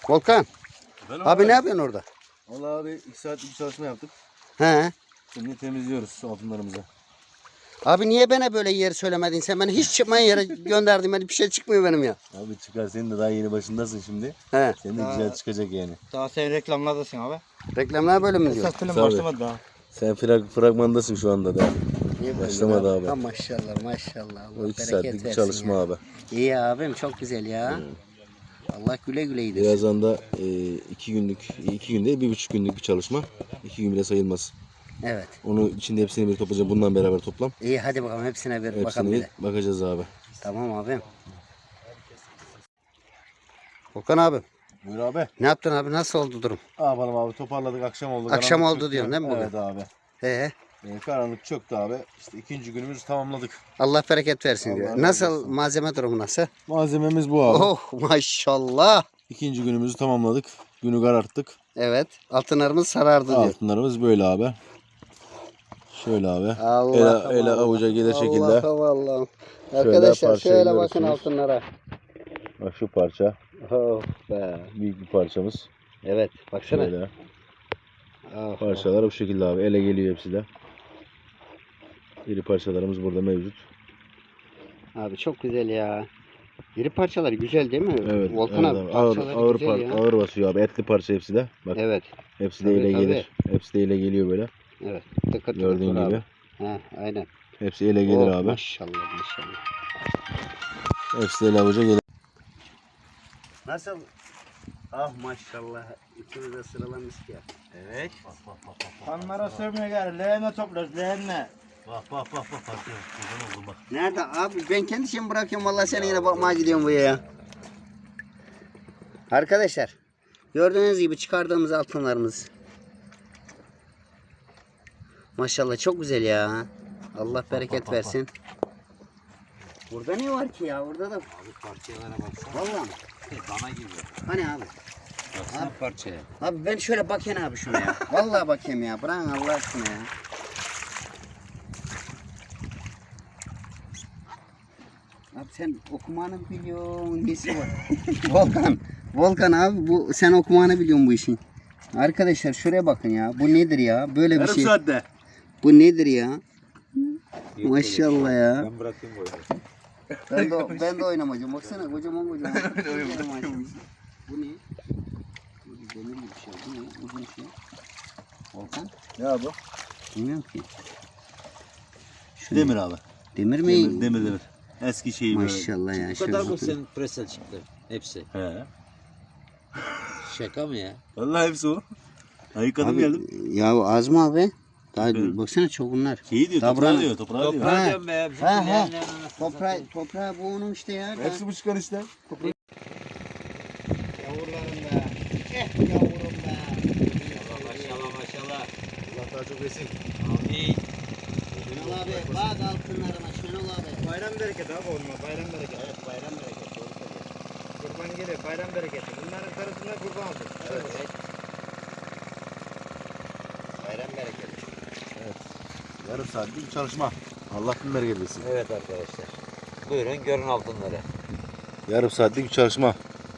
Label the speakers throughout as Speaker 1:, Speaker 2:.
Speaker 1: Volkan.
Speaker 2: Ben
Speaker 1: Abi ne yapıyorsun orada?
Speaker 2: Vallahi abi 2 saatlik bir çalışma yaptık.
Speaker 1: He.
Speaker 2: Şimdi temizliyoruz altınlarımızı.
Speaker 1: Abi niye bana böyle yer söylemedin sen? Beni hiç çıkmayan yere gönderdin. Beni bir şey çıkmıyor benim ya.
Speaker 2: Abi çıkar, senin de daha yeni başındasın şimdi.
Speaker 1: He.
Speaker 2: Senin de güzel çıkacak yani.
Speaker 3: Daha sen reklamlardasın abi.
Speaker 1: Reklamlar böyle mi diyor?
Speaker 3: Esas film
Speaker 2: Tabii.
Speaker 3: başlamadı daha.
Speaker 2: Sen fragmandasın şu anda da. Başlamadı abi.
Speaker 1: Ha, maşallah maşallah.
Speaker 2: O
Speaker 1: Allah
Speaker 2: 2
Speaker 1: bereket
Speaker 2: saatlik bir
Speaker 1: versin
Speaker 2: çalışma
Speaker 1: ya.
Speaker 2: abi.
Speaker 1: İyi abim çok güzel ya. Allah güle güle yedirsin.
Speaker 2: Birazdan da 2 günlük, 2 günde 1,5 günlük bir çalışma. 2 gün bile sayılmaz.
Speaker 1: Evet.
Speaker 2: Onu içinde hepsini bir toplayacağım. Bundan beraber toplam.
Speaker 1: İyi hadi bakalım hepsine bir bakalım
Speaker 2: Hepsini
Speaker 1: bir
Speaker 2: bir
Speaker 1: de.
Speaker 2: bakacağız abi.
Speaker 1: Tamam abim. Volkan abi
Speaker 2: Buyur abi.
Speaker 1: ne yaptın abi? Nasıl oldu durum?
Speaker 2: Ne yapalım abi, toparladık, akşam oldu.
Speaker 1: Akşam
Speaker 2: Karanlık
Speaker 1: oldu
Speaker 2: çöktü.
Speaker 1: diyorsun değil mi bugün?
Speaker 2: Evet abi. Karanlık çöktü abi. İşte 2. günümüzü tamamladık.
Speaker 1: Allah bereket versin
Speaker 2: Allah
Speaker 1: diyor.
Speaker 2: razı
Speaker 1: Nasıl
Speaker 2: olsun.
Speaker 1: malzeme durumu nasıl?
Speaker 2: Malzememiz bu abi.
Speaker 1: Oh maşallah.
Speaker 2: 2. günümüzü tamamladık. Günü kararttık.
Speaker 1: Evet. Altınlarımız sarardı diyor.
Speaker 2: Altınlarımız böyle abi. Şöyle abi.
Speaker 1: Allah'ım
Speaker 2: ele
Speaker 1: Allah.
Speaker 2: avuca gelir şekilde.
Speaker 1: Allah'ım Allah'ım.
Speaker 2: Şöyle
Speaker 1: Arkadaşlar
Speaker 2: parçayı
Speaker 1: şöyle bakın
Speaker 2: görürsünüz.
Speaker 1: altınlara.
Speaker 2: Bak şu parça.
Speaker 1: Oh be.
Speaker 2: Büyük bir parçamız.
Speaker 1: Evet baksana.
Speaker 2: Şöyle.
Speaker 1: Oh,
Speaker 2: Parçalar bu şekilde abi. Ele geliyor hepsi de. İri parçalarımız burada mevcut.
Speaker 1: Abi çok güzel ya. İri parçaları güzel değil mi?
Speaker 2: Evet.
Speaker 1: Volkan
Speaker 2: evet
Speaker 1: abi
Speaker 2: abi. Ağır,
Speaker 1: parçaları
Speaker 2: ağır,
Speaker 1: güzel ya.
Speaker 2: ağır basıyor abi. Etli parça hepsi de. Bak.
Speaker 1: Evet.
Speaker 2: Hepsi de
Speaker 1: Tabii,
Speaker 2: ele
Speaker 1: tabii.
Speaker 2: gelir. Hepsi de ele geliyor böyle.
Speaker 1: Evet. Tıkır
Speaker 2: Gördüğün
Speaker 1: tıkır
Speaker 2: gibi.
Speaker 1: abi. He, aynen.
Speaker 2: Hepsi ele gelir
Speaker 1: Oh,
Speaker 2: abi.
Speaker 1: maşallah maşallah.
Speaker 2: Hepsi de ele avuca gelir.
Speaker 1: Nasıl? Ah maşallah. İkimiz de sıralamış ya.
Speaker 3: Evet. Kanlara sövmeye gel. Leğene toplarız leğenle.
Speaker 2: Bak. Kurban oldum bak.
Speaker 1: Nerede abi? Ben kendi şeyimi bırakıyorum. Vallahi sen yine bakmaya gidiyorum buraya ya. Arkadaşlar. Gördüğünüz gibi çıkardığımız altınlarımız. Maşallah çok güzel ya. Allah bereket versin. Burada ne var ki ya? Burada da
Speaker 3: Abi parçalara baksana.
Speaker 1: vallahi
Speaker 3: Dana gibi.
Speaker 1: hani abi?
Speaker 3: Baksana parçaya.
Speaker 1: Abi ben şöyle bakayım abi şuna ya. Vallahi bakayım ya. Bırakın Allah aşkına ya. Abi sen okumanı biliyorsun. Nesi var? Volkan abi bu sen okumanı biliyorsun bu işin. Arkadaşlar şuraya bakın ya. Bu nedir ya? Böyle bir şey.
Speaker 2: saatte.
Speaker 1: Bu nedir ya? Maşallah ya.
Speaker 3: Ben bırakayım böyle.
Speaker 1: Ben de oynamacağım. Baksana kocaman. Bu ne? Bu demir bir şey. Bu ne? Uzun bir şey. Volkan?
Speaker 2: Ne abi?
Speaker 1: Bilmiyorum ki. Şu
Speaker 2: Demir abi.
Speaker 1: Demir mi?
Speaker 2: Demir. Eski şey böyle.
Speaker 1: Maşallah ya.
Speaker 3: Bu
Speaker 1: şöyle
Speaker 3: kadar mı
Speaker 1: bakın.
Speaker 3: senin presel çıktı? Hepsi.
Speaker 2: He.
Speaker 3: Şaka mı ya?
Speaker 2: Vallahi hepsi o. Ayıkladım
Speaker 1: Abi,
Speaker 2: geldim.
Speaker 1: ya az mı abi? Daha
Speaker 2: Evet.
Speaker 1: baksana çok bunlar.
Speaker 2: Şeyi diyor,
Speaker 1: Toprağı-
Speaker 2: toprağı diyor, toprağı diyor.
Speaker 3: Toprağı
Speaker 1: Ha.
Speaker 3: diyorum be. Bizim
Speaker 1: Ha, ha.
Speaker 3: leğenlerin anasını
Speaker 1: Toprağı bu onun işte ya.
Speaker 2: Hepsi bu çıkan işte.
Speaker 3: Yavrularım be. Yavrum be. Maşallah.
Speaker 2: Allah daha çok resim.
Speaker 3: Amin.
Speaker 1: Şenol abi bak altınlarına Şenol abi.
Speaker 3: Bayram bereketi abi onunla. Bayram bereketi.
Speaker 1: Evet bayram bereketi doğru söylüyorsun.
Speaker 3: Kurban gelir. Bayram bereketi. Bunların karısına kurban olsun.
Speaker 1: Evet. Bayram bereketi.
Speaker 2: Yarım saatlik bir çalışma. Allah bin bereket versin.
Speaker 3: Evet arkadaşlar. Buyurun görün altınları.
Speaker 2: Yarım saatlik bir çalışma.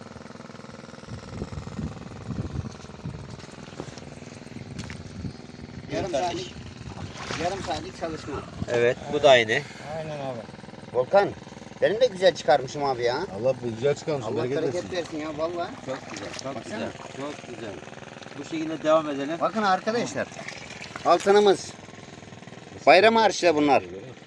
Speaker 1: Yarım saatlik çalışma.
Speaker 3: Evet bu da aynı.
Speaker 1: Aynen abi. Volkan benim de güzel çıkarmışım abi ya.
Speaker 2: Allah güzel çıkarmış.
Speaker 1: Allah
Speaker 2: Bereket
Speaker 1: bereket
Speaker 2: versin.
Speaker 1: versin ya vallahi.
Speaker 3: Çok güzel. Çok
Speaker 1: Baksana.
Speaker 3: güzel. Çok güzel. Bu şekilde devam edelim.
Speaker 1: Bakın arkadaşlar. Altınımız. Bayram harçlı bunlar.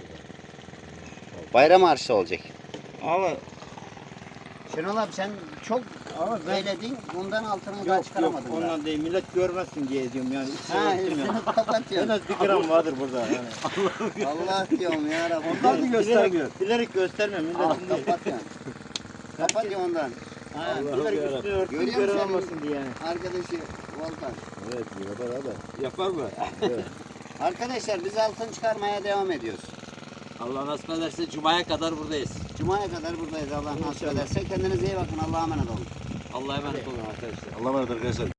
Speaker 1: Bayram harçlı olacak.
Speaker 3: Ama
Speaker 1: Şenol abi sen çok eyledin. Bundan altını daha çıkaramadın. daha.
Speaker 3: ondan değil. Millet görmesin diye diyorum yani.
Speaker 1: Ha,
Speaker 3: Örtüm ya.
Speaker 1: üstünü kapatıyorsun.
Speaker 3: En az 1 gram vardır burada yani.
Speaker 1: Allah diyorum ya Rabbi.
Speaker 3: Ondan da göstermiyor. Bilerek göstermiyor
Speaker 1: Al
Speaker 3: milletin değil.
Speaker 1: kapatıyorsun. Kapatıyor ondan.
Speaker 3: Ha, bilerek üstünü örtüm
Speaker 1: Görüyor
Speaker 3: gören
Speaker 1: musun?
Speaker 3: olmasın diye yani.
Speaker 1: Arkadaşı Volkan.
Speaker 2: Evet, yapar abi.
Speaker 3: Yapar mı?
Speaker 1: Arkadaşlar biz altın çıkarmaya devam ediyoruz.
Speaker 3: Allah nasip ederse Cuma'ya kadar buradayız.
Speaker 1: Cuma'ya kadar buradayız Allah nasip ederse. Kendinize iyi bakın. Allah'a emanet olun.
Speaker 3: Allah'a emanet olun arkadaşlar.
Speaker 2: Allah'a emanet arkadaşlar.